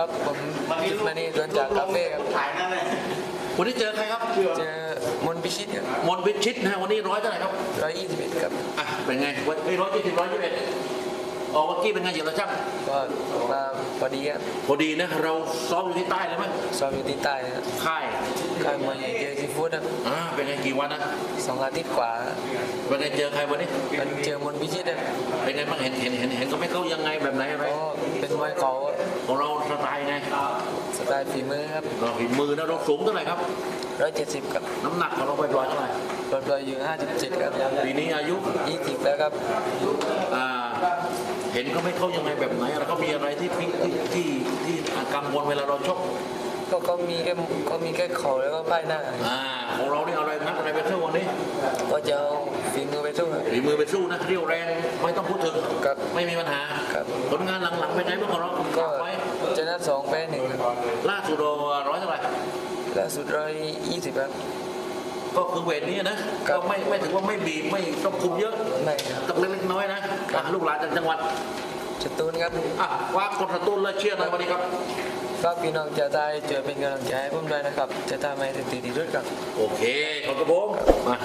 ครับผมกิตมานีสวนจากคาเฟ่ครับวันนี้เจอใครครับเจอมนต์พิชิตครับมนต์พิชิตนะวันนี้ร้อยเท่าไหร่ครับ 121ครับอ่ะเป็นไงวันนี้120 121ออกเมื่อกี้เป็นไงเหยียบตะช่างก็มาพอดีครับพอดีนะเราซ้อมอยู่ที่ใต้เลยไหมซ้อมอยู่ที่ใต้ครับค่ายค่ายมวยใหญ่เจอซีฟู้ดครับเป็นไงกี่วันนะ 2 อาทิตย์กว่าครับเป็นไงเจอใครวันนี้มันเจอมนต์พิชิตครับเป็นไงบ้างเห็นก็ไม่เข้ายังไงแบบไหนอะไรก็เป็นมวยเขาของเราสไตล์ไงสไตล์ฝีมือครับเราฝีมือนะเราสูงเท่าไหร่ครับ 170ครับน้ำหนักของเราไปปล่อยเท่าไหร่ปล่อยอยู่57ครับปีนี้อายุ 20แล้วครับอ่าเห็นก็ไม่เข้ายังไงแบบไหนแล้วก็มีอะไรที่กังวลเวลาเราชกก็มีแค่เข่าแล้วก็ป้ายหน้าของเรานี่เอาอะไรนักอะไรไปสู้วันนี้ก็จะเอาฝีมือไปสู้ครับฝีมือไปสู้นะเรี่ยวแรงไม่ต้องพูดถึงครับไม่มีปัญหาครับผลงานหลังๆเป็นไงบ้างของเราก็ไว้ชนะ2แพ้1ครับล่าสุดเราร้อยเท่าไหร่ล่าสุด120ครับก็คือเวทนี้นะครับ ก็ไม่ถือว่าไม่บีบไม่ต้องคุมเยอะไม่ครับต้องเล็กๆน้อยๆนะลูกหลานจากจังหวัดสตูลครับว่ากดสตูลและเชียร์หน่อยวันนี้ครับฝากพี่น้องชาวใต้ช่วยเป็นกำลังใจให้ผมด้วยนะครับ จะทำให้ถึงที่สุดครับโอเคขอบคุณผมมาม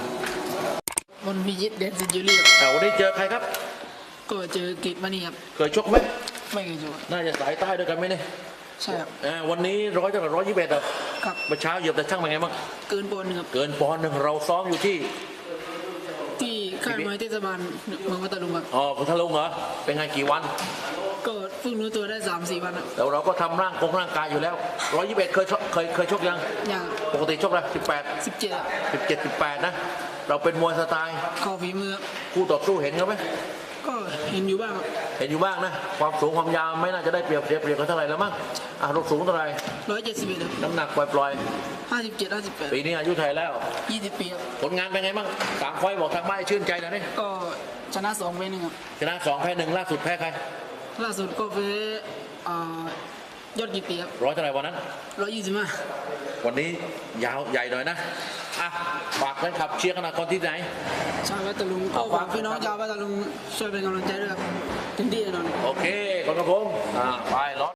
นต์พิชิตเดนซิจูเลียวันนี้เจอใครครับก็เจอกิตมานี่ครับเคยชกไหมไม่เคยเจอน่าจะสายใต้ด้วยกันไหมเนี่ยใช่ครับวันนี้100 จาก121เหรอครับเมื่อเช้าเหยียบแต่ช่างเป็นไงบ้างเกินปอนด์หนึ่งครับเกินปอนด์หนึ่งเราซ้อมอยู่ที่ที่ค่ายมวยเทศบาลเมืองพัทลุงครับพัทลุงเหรอเป็นไงกี่วันก็เพิ่งรู้ตัวได้ 3-4 วันครับแล้วเราก็ทำร่างกายอยู่แล้ว121เคยชกยังอย่างปกติชกอะไร 17ครับ 17 18นะเราเป็นมวยสไตล์เข่าฝีมือครับคู่ต่อสู้เห็นเขาไหมก็เห็นอยู่บ้างครับเห็นอยู่บ้างนะความสูงความยาวไม่น่าจะได้เปรียบเสียเปรียบกันเท่าไหร่แล้วมั้งเราสูงเท่าไหร่ 171ครับน้ำหนักปล่อย 57 ๆปีนี้อายุไทยแล้ว 58 20 ปีครับผลงานเป็นไงบ้าง3 ไฟต์บอกทางบ้านให้ชื่นใจหน่อยนี่ก็ชนะ2 1ครับชนะ2 แพ้ 1ล่าสุดแพ้ใครล่าสุดก็แพ้ยอดกิตีครับร้อยเท่าไหร่วันนั้น 125 วันนี้ยาวใหญ่หน่อยนะฝากแฟนคลับเชียร์ขนาดคนที่ไหนชาวพัทลุงก็ฝากพี่น้องชาวพัทลุงช่วยเป็นกำลังใจด้วยครับเต็มที่แน่นอนโอเคขอบคุณครับผมไปรถ